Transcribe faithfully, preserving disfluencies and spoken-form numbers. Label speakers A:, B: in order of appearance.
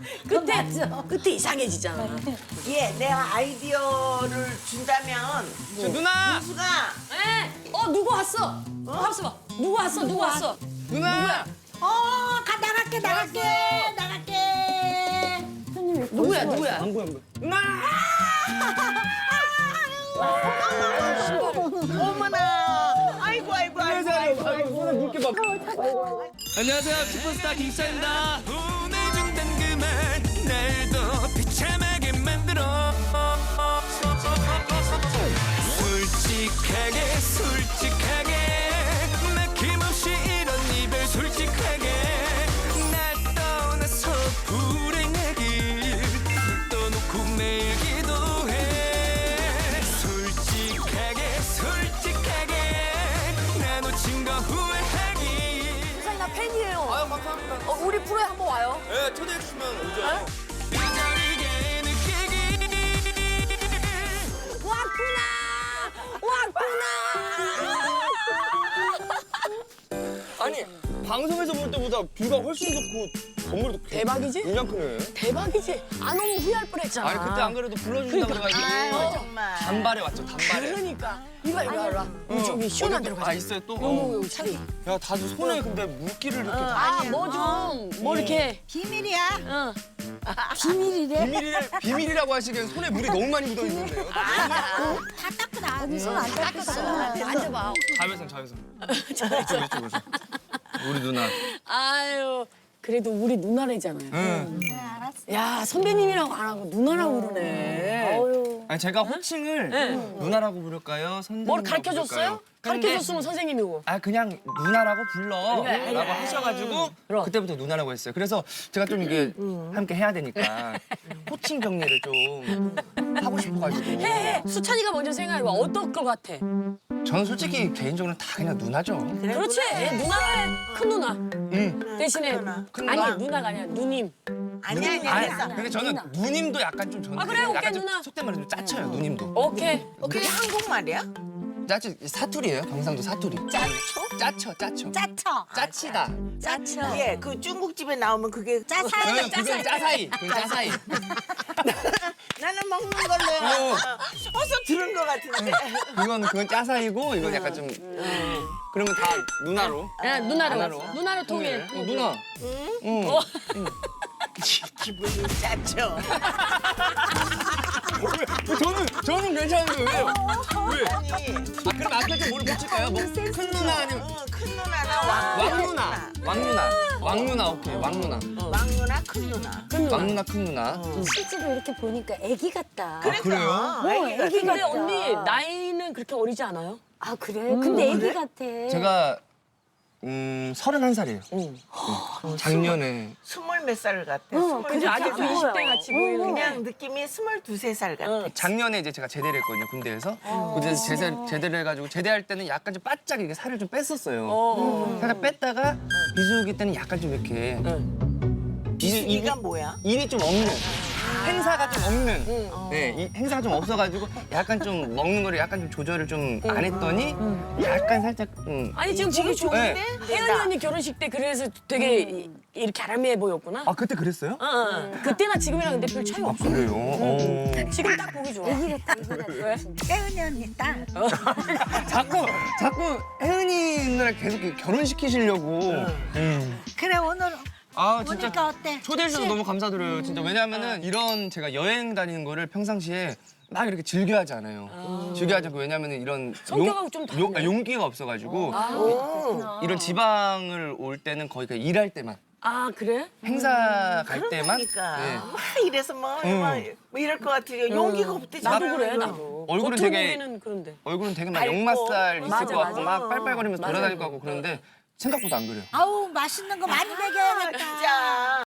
A: 그때 그때 이상해지잖아.
B: 예, 내가 아이디어를 준다면
C: 저 누나!
B: 수가
A: 에? 어 누구 왔어? 어? 왔어 봐. 누구 왔어? 누구 왔어?
C: 누나!
B: 어, 가 나갈게 나갈게 나갈게.
A: 누구야 누구야?
C: 안 보여, 안 보여. 누나!
B: 어머나. 아이고 아이고 아이고 아이고.
C: 아이고, 손에 물게 봐.
D: 안녕하세요, 슈퍼스타 킹스타입니다. 보내준단 그말 날도 비참하게 만들어. 솔직하게 솔직하게 막힘없이 이런 이별 솔직하게 날 떠나서 불행하길 떠놓고 매일 기도해. 솔직하게 솔직하게 나 놓친 거 후회하길.
A: 세상에 나 팬이에요.
C: 아유, 감사합니다.
A: 어, 우리 프로에 한번 와요.
C: 네, 초대해주시면 오죠.
D: 뼈저리게 느끼길.
A: 왔구나. 왔구나.
C: 아니, 방송에서 볼 때보다 뷰가 훨씬 좋고 건물도
A: 대박이지?
C: 굉장히 크네.
A: 대박이지. 안 오면 후회할 뻔했잖아.
C: 아니, 그때 안 그래도 불러준다 그래가지고
B: 아유 정말.
C: 단발에 왔죠, 단발에.
A: 그러니까 이봐 이봐 이봐. 우리 저기 시원한 데로
C: 아,
A: 가자.
C: 있어요, 또?
A: 요거 요거 차리.
C: 야, 다들 손에 근데 물기를 이렇게 다.
A: 아뭐 좀 뭐 이렇게.
B: 비밀이야.
A: 응.
B: 비밀이래.
C: 비밀이래, 비밀이라고 하시기엔 손에 물이 너무 많이 묻어 있는데요.
B: 다 닦고 나. 언니 손안 닦았어.
A: 앉아봐.
C: 자외선, 자외선. 이쪽, 이쪽, 이쪽. 우리 누나.
A: 아유. 그래도 우리 누나래잖아요.
C: 응.
A: 야 선배님이라고 안 하고 누나라고 그러네.
C: 아니, 제가 호칭을 누나라고 부를까요? 선생님이라고
A: 뭘 가르쳐줬어요?
C: 부를까요? 근데-
A: 가르쳐줬으면 선생님이고.
C: 아, 그냥 누나라고 불러
A: 그래,
C: 라고
A: 그래.
C: 하셔가지고
A: 그럼.
C: 그때부터 누나라고 했어요. 그래서 제가 좀 이게 함께 해야 되니까 호칭 정리를 좀 하고 싶어가지고.
A: 해. 수찬이가 먼저 생각해봐. 어떨 것 같아?
C: 저는 솔직히 개인적으로 다 그냥 누나죠.
A: 그렇지. 누나는 큰 누나.
C: 응.
A: 대신에
C: 큰
A: 아니
C: 누나.
A: 누나가 아니야 누님.
B: 아니야 아니야.
C: 아니,
B: 됐어.
C: 근데 저는 누님도 약간 좀 저는
A: 아, 그래?
C: 약간
A: 오케이,
C: 좀
A: 누나.
C: 속된 말로 좀 짜쳐요. 누님도.
A: 오케이.
B: 그게 한국말이야?
C: 짜쳐 사투리예요. 경상도 사투리.
B: 짜초?
C: 짜쳐, 짜쳐.
B: 짜쳐.
C: 짜치다.
A: 짜쳐.
B: 예, 그 중국집에 나오면 그게 짜사이.
C: 응, 그건 짜사이. 그건 짜사이.
B: 나는 먹는 걸로
C: 어.
B: 어서 들은 것 같은데.
C: 그건 그건 짜사이고 이건 약간 좀 그러면 다 누나로.
A: 야 누나로.
C: 누나로.
A: 누나로 통일.
C: 어, 누나. 응.
B: 기분이 짜쳐.
C: 왜, 저는 저는 괜찮은데 왜요? 왜?
B: 아니,
C: 아 그럼 앞에 좀 뭐를 붙일까요? 뭐큰 누나 아니면
B: 어, 큰 누나나 왕,
C: 왕 누나. 왕 누나. 왕 누나 오케이. 왕 누나.
B: 왕 누나, 큰 누나.
C: 왕 누나 큰 누나.
E: 실제로 이렇게 보니까 애기 같다.
B: 그래서
C: 그래요?
B: 어, 애기가
E: 애기
A: 근데
E: 같다.
A: 언니 나이는 그렇게 어리지 않아요?
E: 아 그래? 근데 애기 같아.
C: 제가 음 서른한 살이에요. 작년에
B: 스물 몇 살 같아.
E: 어,
B: 스물
A: 근데
E: 그렇게
A: 아직도
E: 안
A: 이십 대
E: 보여.
A: 같이 보이는 게.
B: 그냥 느낌이 스물두세 살 같아.
C: 작년에 이제 제가 제대를 했거든요 군대에서. 군대에서 제대, 제대를 해가지고 제대할 때는 약간 좀 바짝 이렇게 살을 좀 뺐었어요.
A: 어.
C: 살짝 뺐다가 비수기 때는 약간 좀 이렇게
B: 비수기가 뭐야?
C: 일이 좀 없는 행사가 좀 없는 네 이 행사가 좀 없어가지고 약간 좀 먹는 거를 약간 좀 조절을 좀 안 했더니 약간 살짝 좀
A: 아니 지금 보기 좋은데?
C: 네.
A: 혜연이 언니 결혼식 때 그래서 되게 이- 이렇게 아람해 보였구나?
C: 아 그때 그랬어요?
A: 어, 어. 그때나 지금이랑 근데 별 차이 없어.
C: 그래요? 어.
A: 지금 딱 보기 좋아.
E: 애기 같다 애기 같다.
A: 왜?
B: 혜은이 언니 딸.
C: 자꾸 자꾸 혜은이 누나를 계속 결혼시키시려고 음.
B: 그래 오늘
C: 아 진짜
B: 보니까 어때?
C: 초대해 주셔서 너무 감사드려요. 진짜 왜냐면은 이런 제가 여행 다니는 거를 평상시에 막 이렇게 즐겨하지 않아요. 즐겨하지 않고 왜냐면은 이런
A: 성격하고 좀 다르네.
C: 용, 아, 용기가 없어가지고 이런 지방을 올 때는 거의 그냥 일할 때만
A: 아 그래?
C: 행사 갈 때만
B: 그러니까
C: 네.
B: 막 이래서 뭐,
C: 응.
B: 뭐, 뭐 이럴 것 같아요. 용기가 없대.
A: 나도
B: 진짜.
A: 그래 나도.
C: 얼굴은
A: 겉으로
C: 되게-
A: 보기에는 그런데.
C: 얼굴은 되게 막
B: 밝고.
C: 역마살 있을
A: 맞아,
C: 것 같고
A: 맞아.
C: 막 빨빨거리면서 돌아다닐 것 같고 그런데 생각보다 안 그래요.
E: 아우 맛있는 거 많이 먹여야겠다.
B: 진짜.